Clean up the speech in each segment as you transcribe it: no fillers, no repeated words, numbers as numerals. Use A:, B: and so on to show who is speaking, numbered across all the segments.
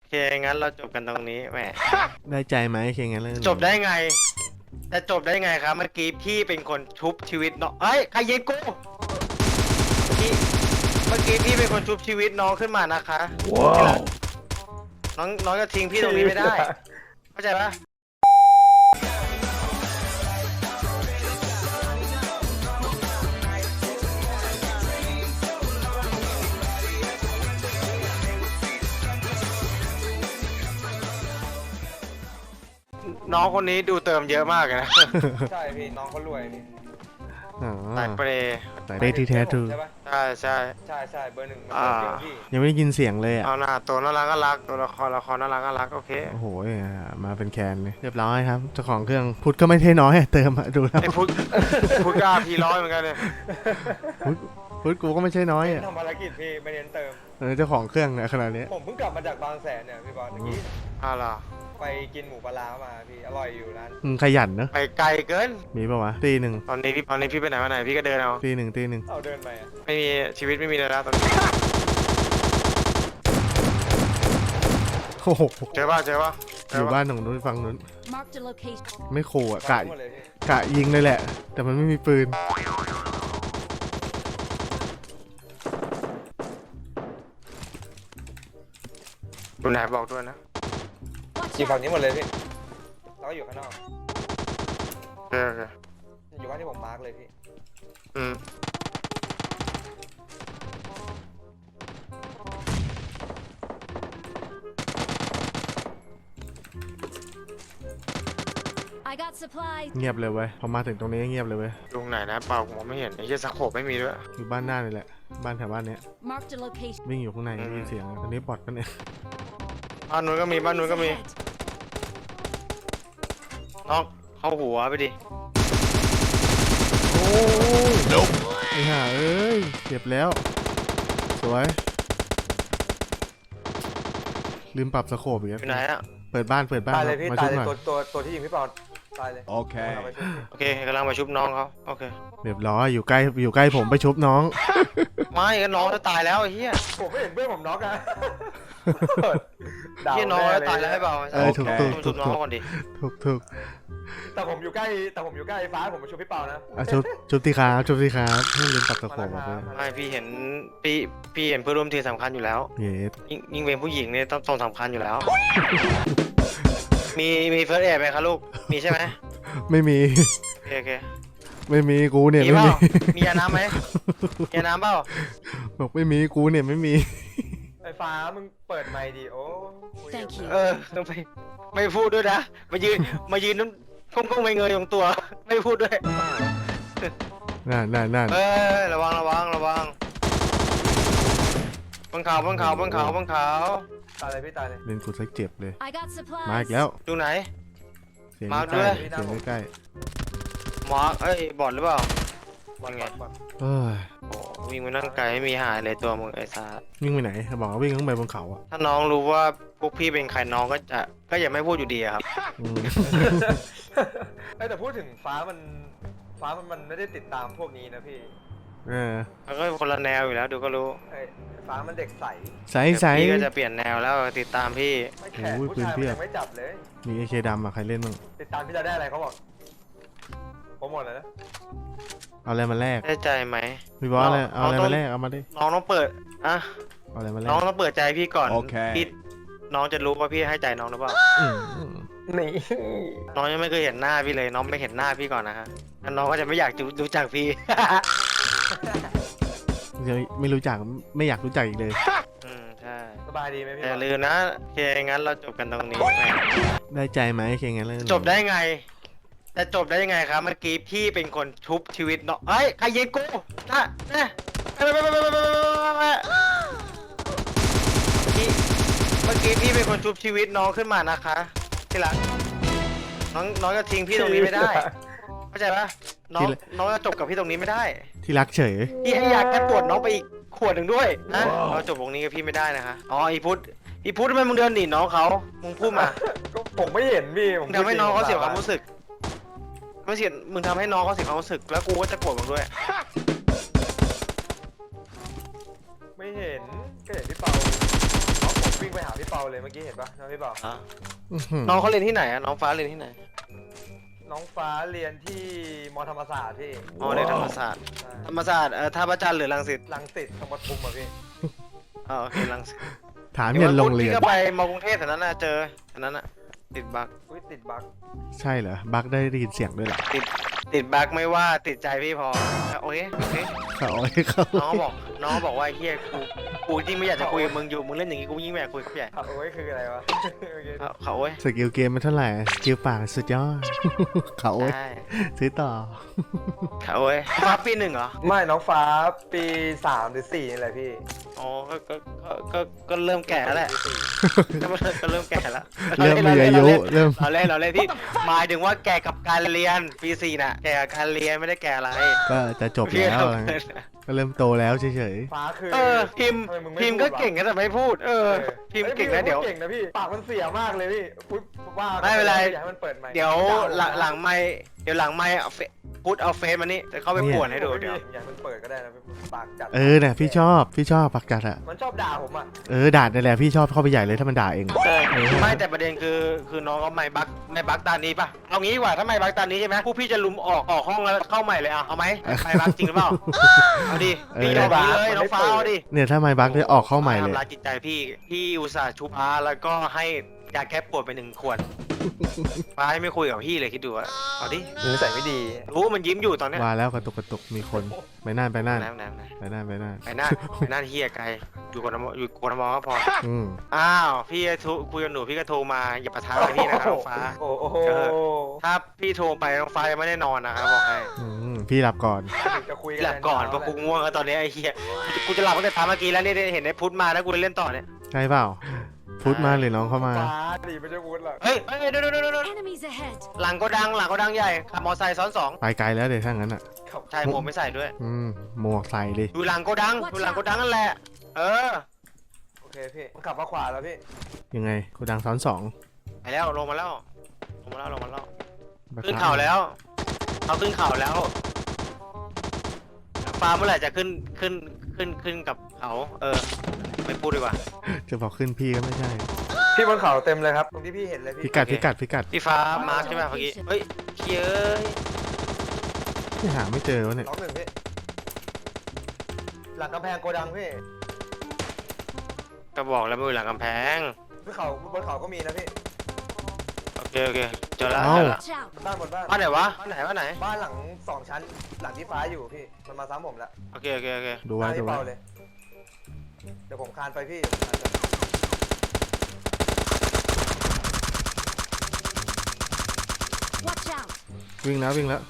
A: เคงั้นเราจบกันตรงนี้แหม
B: ได้ใจไหมเคงั้นเลย
A: จบได้ไงจะจบได้ไงครับเมื่อกี้พี่เป็นคนชุบชีวิตน้องเอ้ยใครยิงกูพี่เมื่อกี้พี่เป็นคนชุบชีวิตน้องขึ้นมานะคะว้าวน้องจะทิ้งพี่ตรงนี้ไม่ได้เข้าใจปะน้องคนนี้ดูเติมเยอะมากเลยนะ
C: ใช่พี่น้องเขารวยพี่
B: อ๋อ
A: สายเปรย์
B: สายเปรย์ที่แท้ทรู
C: ใช่ปะ
A: ใช่ใช่
C: ใช่เบอร์หนึ่งมัน
A: อ่า
C: เก่งพี่
B: ยังไม่ได้ยินเสียงเลยอ่ะ
A: เอาหน้าตัวน่ารักก็รักตัวละครน่ารักก็รักโอเค
B: โอ้โหมาเป็นแคนเลยเรียบร้อยครับเจ้าของเครื่องพุทธก็ไม่ใช่น้อยอะเติมอะดูแล้ว
A: ไอ้พุทธกล้าพีร้อยเหมือนกันเลย
B: พุทธกูก็ไม่ใช่น้อยอ่ะ
C: ทำภารกิจพี่ไม่เน้นเติม
B: เจ้าของเครื่องอะขนาดนี้
C: ผมเพิ่งกลับมาจากบางแสนเนี่ยพี่บอลเมื่อกี้
A: อะไร
C: ไปกินหมูปลาร้ามาพี่อร่อยอยู่ร้าน
B: ขยันเนอะ
A: ไปไกลเกิน
B: มีปะวะตีหนึ่ง
A: ตอนนี้พี่ไปไหนมาไหนพี่ก็เดินเอา
B: ตีหนึ่ง
C: เอาเดินไปอ่ะ
A: ไม่มีชีวิตไม่มีเลยแล้วตอนนี้
B: โอ้โห
A: เจอป่ะเจอป่ะ
B: อยู่บ้านของนู้นฝั่งนู้น
D: Marked a location.
B: ไม่ขู่อะกะ
C: หมดเลยพี่
B: กะยิงเลยแหละ แต่มันไม่มีปืน
A: ดูไหนบอกด้วยนะ
D: Watch
C: อยู่ฝั่ง
D: out!
C: นี้หมดเลยพี่แล้วก็อยู่ข้างนอก
A: โอเคโอเค
C: อยู่บ้านที่ผมมาร์กเลยพี่
A: อืม
D: I got supplies.
B: เงียบเลยเว้ยพอมาถึงตรงนี้เงียบเลยเว้ย
A: ดูไหนนะเปล่าผมไม่เห็นไอ้เหี้ยสโคปไม่มีด้วย
B: อยู่บ้านหน้านี่แหละบ้านแถวบ้านเนี้ย
D: Marked a location.
B: วิ่งอยู่ข้างใน
A: อืม
B: มีเสียงตอนนี้บอดปะเนี่ย
A: บ้านนู้นก็มีบ้านนู้นก็มี
D: Ahead.
A: น้องเข้าหัวไปดิ
B: โอ้ไอ้ห่าเอ้ยเจ็บแล้ว สวย ลืมปรับสโคปอีก
A: อ
B: แล้ว
A: ยู่ไหนอะ
B: เปิดบ้าน
C: ตายเลยพี่
B: มา
C: ตา
B: ชุ
C: ย
B: บ
C: เลย
B: หน่อย
C: ตัวที่ยิงพี่ปอนตายเลย
B: โอเค
C: เอาไปช่วยพี่
A: โอเคกำลังมาชุบน้องเขาโอเค
B: เรียบร้อยอยู่ใกล้ผมไปชุบน้อง
A: ไม่ก็น้องจะตายแล้วไอ้เหี้ย
C: ผมไม่เห็นเพื่อนผมน็อกอะ
A: เหี้ยน้องจะตายแล้วให้เปล่า
B: เออถูก
A: ต้องชุบน้อง
B: ถูก
A: เขาก่อนดิ
B: ถูก
C: แต่ผมอยู่ใกล้ไอ้ฟ้าผมมาช่วยพี่เปานะ
B: อ่ะชุบที่ขาไม่ลืมปรับสโคปออกไป
A: ไม่พี่เห็นพี่เห็นเพื่อนร่วมทีมสำคัญอยู่แล้ว
B: เย็ด
A: ยิ่งเป็นผู้หญิงเนี่ยต้องสำคัญอยู่แล้ว มีเฟิร์สเอดไหมคะลูกมีใช่ไหม
B: ไม่มี
A: โอเคโอเค
B: ไม่มีกูเนี่ย
A: มี
B: ไม่
A: เป
B: มี
A: ล่ามียาน้ำไหมมียาน้ำเปล่า
B: บอกไม่มีกูเนี่ยไม่มี
C: ไอ้ฟ้ามึงเปิดไมค์ดิโอ้
D: Thank you.
A: ไม่พูดด้วยนะมายืนน้ำก้มไปเงยของตัว ไม่พูดด้วย
B: นั่น
A: ระวังบนเขา
C: ตายเลยพี่ตายเลย
B: เล่นกูสักเจ็บเลย
D: I got
B: มาอี
D: supplies.
B: กแล้ว
A: ดูไหน
B: เสียง
A: มา
B: ใก
A: ด้
B: ล้
A: วย
B: เสียงใกล้
A: มาร์คบอดหรือเปล่าบอดไง
B: เอ้ย
A: โอ้วิ่งมานั่งไกลไม่มีหายเลยตัวมึงไอ้ซา
B: วิ่งไปไหนบอกว่าวิ่งขึ้นไปบนเขาอ่ะ
A: ถ้าน้องรู้ว่าพวกพี่เป็นใครน้องก็อย่าไม่พูดอยู่ดีอะครับ
B: อืม
C: แต่พูดถึงฟ้ามันไม่ได้ติดตามพวกนี้นะพี่
B: เออ
A: มันก็คนละแนวอยู่แล้วดูก็รู้
C: ไอ้ฟ้ามันเด็กใส
B: ใส
A: แต่พี่ก็จะเปลี่ยนแนวแล้วติดตามพี่
C: ไม่แขก
B: โอ้ย
C: ผู้ชาย
B: ปืนเพี
C: มัน
B: ยบ
C: ยังไม่จับเลย
B: มีไอเคดำอ่ะใครเล่นบ้าง
C: ติดตามพี่จะได้อะไรเขาบอกผมหมดแล้วนะ
B: เอาอะไรมาแลก
A: ได้ใจไหม
B: พี่บอสอะไรเอาอะไร
A: เราต้อ
B: มาง แลกเอามาดิ
A: น้องต้องเปิดอะ
B: เอาอะไรมาแลก
A: น้องต้องเปิดใจพี่ก่อน
B: โอเค
A: พี่น้องจะรู้ว่าพี่ให้ใจน้องหรือเปล่า
B: อืม
C: นี่
A: น้องยังไม่เคยเห็นหน้าพี่เลยน้องไม่เห็นหน้าพี่ก่อนนะฮะแล้วน้องก็จะไม่อยากรู้จักพี่
B: ยังไม่รู้จักไม่อยากรู้จักอีกเลย
A: ใช่
C: สบายดีไหมพี่
A: แต่อย่าลืมนะโอเคงั้นเราจบกันตรงนี้แหม
B: ได้ใจไหมเคงั้นเลย
A: จบได้ไงจะจบได้ยังไงครับเมื่อกี้พี่เป็นคนชุบชีวิตน้องเอ้ยใครยิงกูนะเมื่อกี้พี่เป็นคนชุบชีวิตน้องขึ้นมานะคะที่รักน้องจะทิ้งพี่ตรงนี้ไม่ได้เข้าใจปะน้องจะจบกับพี่ตรงนี้ไม่ได้
B: ที่รักเฉย
A: พี่ให้ยาแก้ปวดน้องไปอีกขวดหนึ่งด้วยนะเราจบตรงนี้กับพี่ไม่ได้นะคะอ๋ออีพุทททำไมมึงเดินหนีน้องเขามึงพูดมา
C: ก็ผมไม่เห็นพี่ผม
A: มึงทำให้น้องเขาเสียความรู้สึกไม่เสียมึงทำให้น้องเขาเสียความรู้สึกแล้วกูก็จะโกรธมึงด้วย
C: ไม่เห็นก็เห็นพี่เปาน้องผมวิ่งไปหาพี่เปาเลยเมื่อกี้เห็นปะน้องพี่เปา
A: อ่ะ
B: อื้อหือ
A: น้องเขาเรียนที่ไหนอะน้องฟ้าเรียนที่ไหน
C: น้องฟ้าเรียนที่มอธรรมศาสตร์พี่
A: อ๋อเรียนธรรมศาสตร์
C: ใช่
A: ธรรมศาสตร์ท่าพระจันทร์หรือรังสิต
C: รังสิตธรรมทุมอ่ะพี่
A: อ๋อโอเครังสิต
B: ถามเงินโรงเรียน
A: พี่ก็ไปมอกรุงเทพแถวนั้นน่ะเจอแถวนั้นน่ะติดบั๊ก
C: อุ้ยติดบั๊ก
B: ใช่เหรอ บักได้ยินเสียงด้วยเหรอ
A: ติดบั๊กไม่ว่าติดใจพี่พอโอเคโอเค
B: เขาเอาให้เขา
A: น้องบอกว่าไอ้เฮียกูยิ่งไม่อยากจะคุยกับมึงอยู่มึงเล่นอย่างงี้กูยิ่งไม่อยากคุยกับพี่ใหญ่
C: โอ้ยคืออะไรวะโอเค
A: เขาโอ้ย
B: สกิลเกมมันเท่าไหร่สกิลปากสุดยอด เขาโอ้ย
A: ใช่
B: ซื้อต่อ
A: เขาโอ้ยฟ้าปีหนึ่งเหรอ
C: ไม่น้องฟ้าปี3หรือ4นี่แหละพี่
A: อ๋อก็เริ่มแก่แล้วแหละก็เริ่มแก่แล้ว
B: เริ่มมีอายุเริ่ม
A: เราเล่นพี่หมายถึงว่าแก่กับการเรียนปีสี่น่ะแก่กับการเรียนไม่ได้แก่อะไร
B: ก็จะจบแล้วอะไรเงี้ยก็เริ่มโตแล้วเฉย
C: ฟ้าคือ
A: พิมพ์
C: ทำไมึงไ
A: พิมพ์ก็เก่งนะแต่ไม่พูดพิมพ์เก่งนะเดี๋ยว
C: เก่งนะพี่ปากมันเสียมากเลยพี่พูดว่า
A: ไม่เป็นไร
C: อยากให้มันเปิดไมค์
A: เดี๋ยวหลังไม่เดี๋ยวหลังไม่พูดเอาเฟซมานี่จะเข้าไปป่วนให้ดูเดี๋ยว
C: อยากให้มันเปิดก็ได้นะปากจัด
B: ๆเนี่ยพี่ชอบปากจัดอะ
C: มันชอบด่าผมอ่ะ
B: ด่าได้แหละพี่ชอบเข้าไปใหญ่เลยถ้ามันด่าเอง
A: ไม่แต่ประเด็นคือน้องก็ไม่บักตานี้ป่ะเอางี้ดีกว่าถ้าไม่บักตานี้ใช่ไหมผู้พี่จะลุมออกห้องแล้วเข้าใหม่เลยเอาไหมไม่บักจริงหรือเปล่าเอาดิพี่ยอมพี่เลยน้องฟ้าเอาดิ
B: เนี่ยถ้าไม่บักได้ออกเข้าใหม่เลย
A: ทำร้ายจิตใจพี่อุตส่าห์ชุบอาแล้วก็ให้ยาแก้ปวดไป1 ขวดฟ้าไม่คุยกับพี่เลยคิดดูอะเอาดิ
C: นิสัยไม่ดี
A: รู้มันยิ้มอยู่ตอนเนี้ย
B: ว่าแล้วกระตุกมีคนไปน่าน
A: ไหน
B: ไปน่าน
A: เฮียไกลอยู่กทมก็พอ
B: อืม
A: อ้าวพี่คุยกับหนูพี่ก็โทรมาอย่าประทานพี่นะครับน้องฟ้า
C: โอ้โห
A: ถ้าพี่โทรไปน้องฟ้ายังไม่ได้นอนนะครับบอกให้
B: พี่หลับก่อน
C: ถึงจะคุย
A: พี่หลับก่อนเพราะกูง่วงแล้วตอนนี้ไอ้เฮียกูจะหลับตั้งแต่ตามเมื่อกี้แล้วนี่เห็นไอ้พุทธมาแล้วกูเลยเล่นต่อเนี่ย
B: ใช่เปล่าพุทธมาหรือน้องเข้ามา
C: ฟ้าดีไม่ใช่วุฒิหรอก
A: เฮ้ยเดี๋ยว
D: Enemies ahead.
A: หลังก็ดังใหญ่ขับมอไซค์ซ้อน2
B: ไปไกลแล้วเดี๋ยวถ้างั้นอ่ะ
A: ใช่หมวกไม่ใส่ด้วย
B: หมวกใส่เลย
A: ดูหลังก็ดังนั่นแหละ
C: โอเคพี่มันขับมาขวาแล้วพี่
B: ยังไงกูดังซ้อนสอง
A: ไปแล้วลงมาแล้วขึ้นเขาแล้วเขาขึ้นเขาแล้วฟ้าเมื่อไหร่จะขึ้นกับเขาไม่พูดดีกว่า
B: จะบอกขึ้นพี่ก็ไม่ใช่
C: พี่บนเขาเต็มเลยครับตรงที่พี่เห็นเลย
B: พิ
C: พี่
B: กัด
A: โอเค
B: พิกัด
A: พี่ฟ้ามาร์คใช่ไหมเมื่อกี้เฮ้ยเย้ย
B: ที่หาไม่เจอวะเนี่ย
C: ล็อกหนึ่งพี่หลังกำแพงโกดังพี่
A: ก็บอกแล้วไม่อยู่หลังกำแพง
C: บนเขาก็มีนะพี่
A: โอเคเจอแล้ว
D: Watch out.
C: บ้าน
A: บ้านไหนวะบ้านไหน
C: บ้านหลัง2 ชั้นหลังที่ฟ้าอยู่พี่มันมาซ้ำผมแล้ว
A: โอเค
B: ดูไว้
C: ที่
B: ดูไว้
C: เปาเลยเดี๋ยวผมคานไปพี่
D: Watch out.
B: วิ่งแล้ว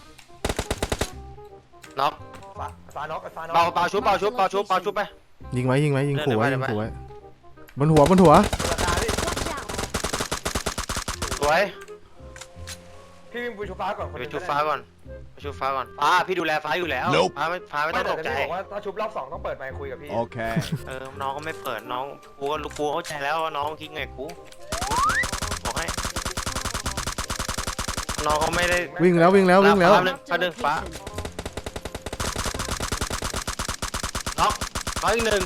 A: น็อก
C: ฟ้าน็อก
A: เปาชุบไป
B: ยิงไว้ขู่ไว้
A: เดี๋ยวไป
B: บนหัว
C: ราคาพี่
D: Watch out.
A: สวย
C: พี่วิ่งไปชูฟ้าก่อน
A: ไปชุบฟ้าก่อนพี่ดูแลฟ้าอยู่แล้วฟ้าไม่ต้องตกใจ
C: พี่บอกว่าถ้าชุบรอบ2ต้องเปิดไมค์คุยกับพี่
A: น้องก็ไม่เปิดน้องกูเข้าใจแล้วว่าน้องคิดไงกูบอกให้น้องเขาไม่ได้
B: วิ่งแล้ว
A: แป๊บนึง
D: Marked a
A: ฟ้า
D: location.
A: น็อกอีก1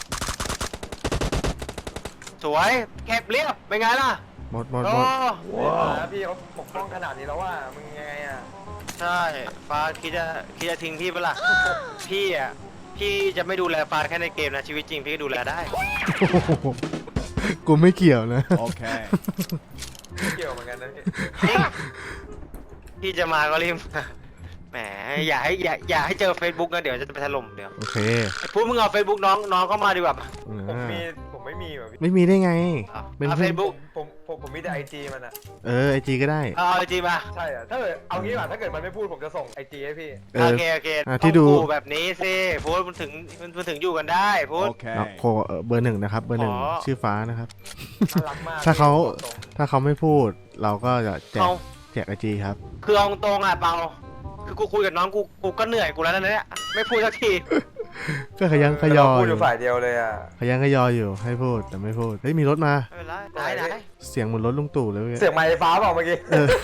A: สวยเก็บเรียบเป็นไงล่ะ
B: หมด
A: โอ้
C: พี่เขาปกป้องขนาดนี้แล้วว่ามึงยังไงอ่ะ
A: ใช่ฟ้าคิดจะทิ้งพี่เปะล่าพี่จะไม่ดูแลฟ้าแค่ในเกมนะชีวิตจริงพี่ก็ดูแลได้
B: กูไม่เกี่ยวนะ
C: เกี่ยวเหมือนกันนะพี่
A: จริงพี่จะมาก็รีบมาแหมอย่าให้เจอ Facebook นะเดี๋ยวจะไปถล่มเดี๋ยว
B: โอเค
A: พูดมึงเอา Facebook น้องเข้ามาดีกว่า
C: ผมไม่มีแบบพี่
B: ไม่มีได้ไง เป็น
A: เอา
B: เพื่อน
A: Facebook
C: ผมมีแต่IG มันอ่ะ
B: ไอจีก็ได้
A: เอาไอจีมา
C: ใช่อ่ะถ้าเกิดเอางี้ป่ะถ้าเกิดมันไม่พูดผมจะส่งIG ให้พี่
A: โอเค
B: ที่ดู
A: ต้องขู่แบบนี้สิพูดมันถึงอยู่กันได้พูด
B: น็อกโคเบอร์ 1นะครับเบอร์
A: อ๋อ
B: 1ชื่อฟ้านะครับ
C: น่ารักมาก
B: ถ้าเขา
C: ตรง
B: ถ้าเขาไม่พูดเราก็จะแจ
A: เขา
B: กไอจีครับ
A: คือเอาตรงอ่ะเปาคือกูคุยกับน้องกูก็เหนื่อยกูแล้วนะเนี่ยไม่พูดสักที
B: ก็ขยันขยอ
C: เราพูด
B: อ
C: อยู่ ยู่ฝ่ายเดียวเลยอ่ะ
B: ขยันขยออยู่ให้พูดแต่ไม่พูดเฮ้ยมีรถมา
A: ไม่เป็นไรไหน
B: เสียงเหมือนรถลุงตู่เลยเว้ย
C: เสียงไมค์ฟ้าเปล่าเมื่อกี้
B: เออ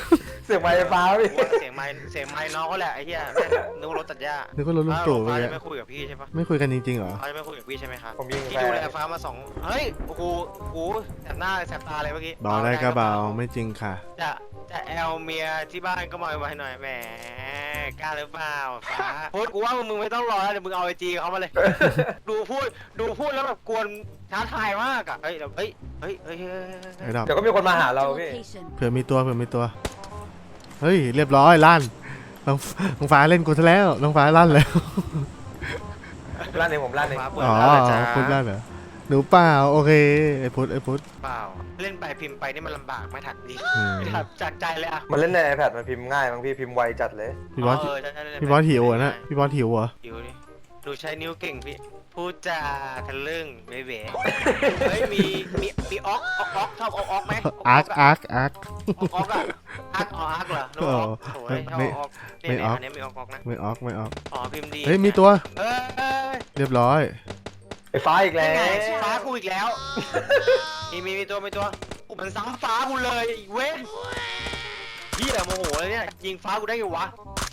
C: เสียงไม้ไฟฟ้าพี่
A: เสียงไม้น้องเขาแหละไอ้เหี้ยนึกว่ารถตัดหญ้า
B: นึกว่ารถลุงตู่ไป
A: ฟ้า
B: เล
A: จะ
B: ย
A: ไม่คุยกับพี่ใช่ปะ
B: ไม่คุยกันจริงๆเหรอ
A: ฟ้าจะไม่คุยกับพี่ใช่ไหมครับ
C: ผมยิง
A: พี่
C: แฟ
A: ดูแล
C: ร์
A: ฟ้ามาเฮ้ยโอ้โหแสบหน้าแสบตาเลยเมื่อกี้
B: เบาได้ก็เบาไม่จริงค่ะ
A: จะแอลเมียที่บ้านก็มาไว้หน่อยแหมกล้าหรือเปล่าฟ้าพูดกูว่ามึงไม่ต้องรอแล้วเดี๋ยวมึงเอาไอจีเขามาเลย ดูพูดแล้วแบบกวนท้าทายมากอ่ะเฮ้ย
B: ไอ้ดอก
C: เดี๋ยวก็มีคนมาหาเรา
D: Marked a
C: พี่
D: location.
B: เผื่อมีตัวเฮ้ยเรียบร้อยลั่นน้องฟ้าเล่นกูซะแล้วน้องฟ้าลั่นแล้ว
C: ร้านเองผมร้านเอง
A: ฟ้าเปิด
B: อ๋อ
A: ร้านเลยจ้า
B: พุทธลั่นเหรอหนูเปล่าโอเคไอ้พุทธ
A: เปล่าเล่นไปพิมพ์ไปนี่มันลำบากไม่ถัดดี
B: อืม
A: ไม่ถัดจากใจเลยอ่ะ
C: มันเล่นใน iPad มันพิมพ์ง่ายบางพี่พิมพ์ไวจัดเลย
B: พี่บอส
A: ใช่ๆๆ
B: พี่บอสหิวเหรอนะพี่บอสหิวเหรอ
A: หิวดิดูใช้นิ้วเก่งพี่พูดจาทะลึ่งเบ๊ะเฮ้ยมีออกชอบออกไหม
B: อาร์ค
A: ออกอะ
B: อาร์ค
A: ออกอะอาร์คเหรอนึกว่าออกโอ้ยชอบออกเนี่ยอันนี้มีออกนะ
B: ไม่ออก
A: อ๋อพิมพ์ดี
B: เฮ้ยมีตัว
A: เอ้ย
B: เรียบร้อย
C: ไอ้ฟ้าอีกแล้
A: นี่
C: ว
A: ไงฟ้ากูอีกแล้วมีตัวกูมันซ้ำฟ้ากูเลยไอ้เว้นพี่แต่โมโหเลยเนี่ยยิงฟ้ากูได้ไงวะ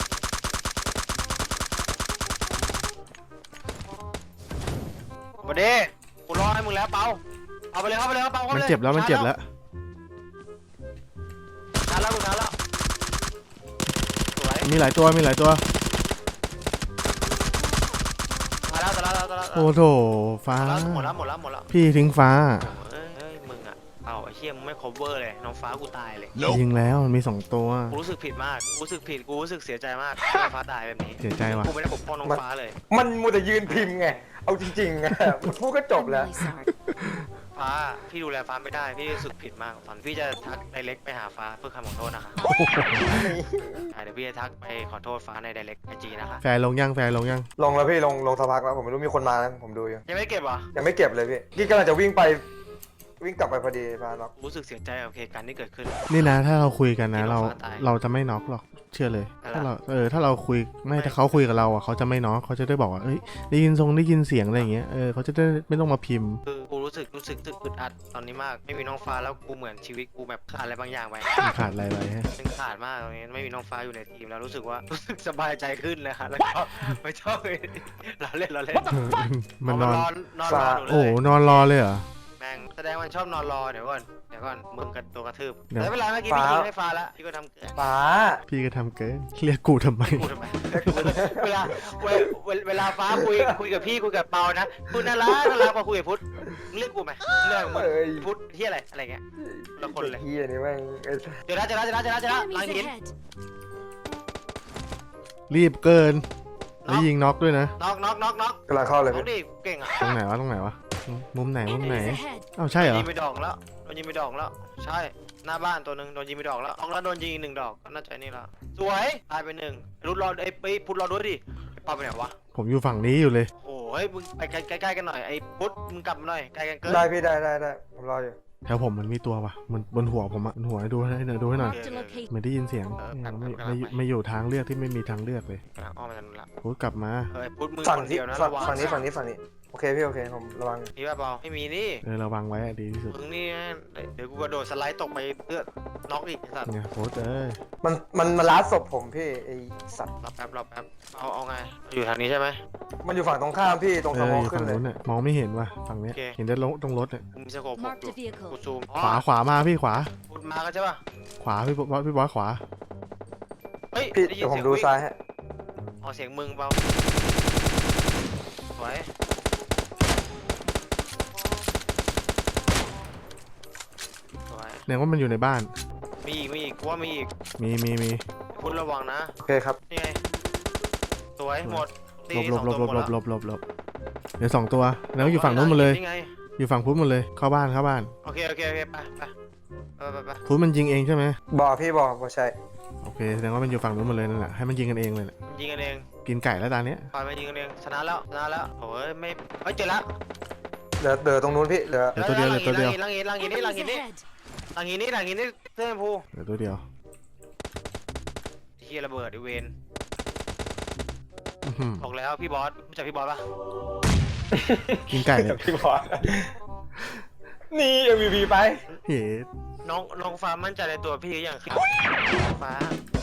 A: มาเด้กูรอให้มึงแล้วเปาเอาไปเลยเปาเข้าไป
B: มัน
A: เลย
B: เจ็บแล้วมันเจ็บแล้ว
A: ทันแล้วกูทันแล้วสวย
B: มีหลายตัว
A: ตายแล้ว
B: โอ้โถฟ้า
A: หมดแล้ว
B: พี่ทิ้งฟ้า
A: เฮ้ยมึงอ่ะเอาไอ้เชี่ยมึงไม่ cover เลยน้องฟ้ากูตายเลย
B: ยิงแล้วมันมี2ตัว
A: กูรู้สึกผิดมากกูรู้สึกเสียใจมากที่น้องฟ้าตายแบบนี้
B: เสียใจว่ะ
A: กูไม่ได้ปกป้องน้องฟ้าเลย
C: มันมัวแต่ยืนพิมพ์ไง เอาจริงๆอะมันพูดก็จบ
D: I'm
C: แล้ว
D: really sorry.
A: ฟ้าพี่ดูแลฟ้าไม่ได้พี่รู้สึกผิดมากตอนพี่จะทักไดเรกไปหาฟ้าเพื่อคำขอโทษนะคะเดี๋ยวพี่จะทักไปขอโทษฟ้าในไดเรกไอจีนะคะ
B: แฟร์ลงยัง
C: ลงแล้วพี่ลงสักพักแล้วผมไม่รู้มีคนมาแล้วผมดูอยู่
A: ยังไม่เก็บเหรอ
C: ยังไม่เก็บเลยพี่กำลังจะวิ่งกลับไปพอดีฟ้าล็อก
A: รู้สึกเสียใจกับเหตุการณ์ที่เกิดขึ้น
B: นี่นะถ้าเราคุยกันนะ
A: ที่น้
B: เรา
A: องฟ้าตาย
B: เราจะไม่น็อกหรอกเชื่อเลย
A: อะไร
B: ถ้าเราคุยไม่ถ้าเขาคุยกับเราอ่ะเขาจะไม่น็อกเขาจะได้บอกว่าเอ้ยได้ยินเสียงอะไรอย่างเงี้ยเขาจะได้ไม่ต้องมาพิมพ์
A: คือกูรู้สึกอึดอัดตอนนี้มากไม่มีน้องฟ้าแล้วกูเหมือนชีวิตกูแบบขาดอะไรบางอย่างไป
B: มันขาดอะไรไปฮะ
A: มันขาดมากตรงนี้ไม่มีน้องฟ้าอยู่ในทีมแล้วรู้สึกสบายใจขึ้นเลยค่ะแล้วก็ไม่ชอบเลยเราเล่น
B: มันนอน
A: นอนรอหนูเล
B: โอ้
A: ย
B: นอนรอเลยเหรอ
A: แม่งแสดงมันชอบนอนรอเดี๋ยวก่อนมึงกันตัวกระทืบ
B: เดี๋ยว
A: แต่เวลาเมื่อกี้พี่ยิงให้ฟ้าแล้วพี่ก็ทำเกิน
C: ฟ้า
B: พี่ก็ทำเกินเรียกกูทำไม
A: กูทำไมเวลาฟ้าคุยกับพี่คุยกับเปานะคุณน่ารักพอคุยกับพุทธมึงเรียกกูไหมเรื่องมึง
C: เอ้ย
A: พุทธที่อะไรเงี้ยละคนเลย
C: เฮียนี่แม่งไอ้
A: เดี๋ยวนะหลัง
D: Enemies
A: หิน
D: ahead.
B: รีบเกินแล้วยิงน็อกด้วยนะ
A: น็อก
C: กำลังเข้าเลย
A: น้อ
C: พี่
A: งดิเก่งอ่ะ
B: ตรงไหนวะมุมไหน
D: Enemies ahead.
B: อ้าวใช่เหรอ
A: โดนยิงไปดอกแล้วใช่หน้าบ้านตัวหนึ่งโดนยิงไปดอกแล้วออกแล้วโดนยิงอีก1 ดอกก็น่าจะนี่ละสวยตายไป1รุดรอไอ้พุทธรอด้วยดิไอ้ปาไปไหนวะ
B: ผมอยู่ฝั่งนี้อยู่เลย
A: โอ้ยมึงไปใกล้ๆกันหน่อยไอ้พุทธมึงกลับมาหน่อยใกล้กันเกิน
C: ได้พี่ได้ผมรออยู่
B: แถวผมมันมีตัววะมันบนหัวผมอะบนหัวให้ดูให้หน่อย
D: Marked a location.
B: ไม่ได้ยินเสียงไม่อยู่ทางเลือกที่ไม่มีทางเลือกเลย
A: กำลังอ้อมมาทางนู้นละ
B: พูดกลับมา
A: เฮ้ยพุทธมือ
C: ฝั่ง
A: คน
C: ที่
A: เดียวนะ
C: ฝั่
A: ระวัง
C: งนี้โอเคพี่โอเคผมระวัง
A: มีป่ะเปล่าไม่มีนี่
B: ระวังไว้อะดีที่สุด
A: มึงนี่เดี๋ยวกูกระโดดสไลด์ตกไปเพื่อน็อกอีกไอ้สัตว์
B: เนี่ยโพสเอ้ย
C: มันมาล้าศพผมพี่ไอสัตว์
A: รอแป๊บเอาไงอยู่ทางนี้ใช่ไหม
C: มันอยู่ฝั่งตรงข้ามพี่ตรงสมอง
B: อยู่
C: ขึ้
B: ฝั่
C: น
B: ง
C: เลย
B: นู้นเนี่ยมองไม่เห็นว่ะฝั่งเนี้ย
A: โอเค
B: เห็นได้ตรงรถเนี่ย
A: กูมีสโคป6
D: Marked
A: อยู่
D: a vehicle.
A: กูซูม
B: ขวามาพี่ขวา
A: พุทธมากันใช่ป่ะ
B: ขวาพี่บอสขวา
A: เฮ้ย
C: พี่
A: ได้ยิ
C: เดี๋
A: น
C: ยวผ
A: เสี
C: ม
A: ยง
C: ดู
A: วิ่ง
C: ซ้ายฮะ
A: อ๋อเสียงมึงเปล่าสวยสวย
B: เนี่ยว่ามันอยู่ในบ้าน
A: มีอีกกูว่ามีอีก
B: มี
A: พุทธระวังนะ
C: โอเคครับ
A: นี่ไงสวยหมดตี
B: หลบ
A: สองตัวหมดแล้ว
B: หลบเดี๋ยว2 ตัวแล้วอยู่ฝั่งนู้นหมดเลย
A: นี่ไง
B: อยู่ฝั่งพุทธหมดเลยเข้าบ้าน
A: โอเคไป
B: พุทธมันยิงเองใช่ไหม
C: บอกพี่บอกใช่
B: โอเคแสดงว่ามันอยู่ฝั่งนู้นหมดเลยนั่นแหละให้มันยิงกันเองเลยแหละ
A: ยิงกันเอง
B: กินไก่แล้วตาเนี้ย
A: ปล่อยมายิงกันเองชนะแล้วโอ้ยไม่เฮ้ยเจอแล้ว
C: เหลือตรงนู้นพี่เหลือ
B: เหลือตัวเดียว
A: หลังหินนี่
D: Enemies ahead.
A: เสื้อชมพู
B: เหลือตัวเดียว
A: เฮียระเบิดไอเวน
B: อื้อหือ
A: บอกแล้วพี่บอสรู้จักพี่บอสปะ
B: กินไก่เลย
C: พี่บอกนี่ MVP ไป
B: เฮ้
A: น้องฟ้ามั่นใจในตัวพี่หรือยังครับฟ้า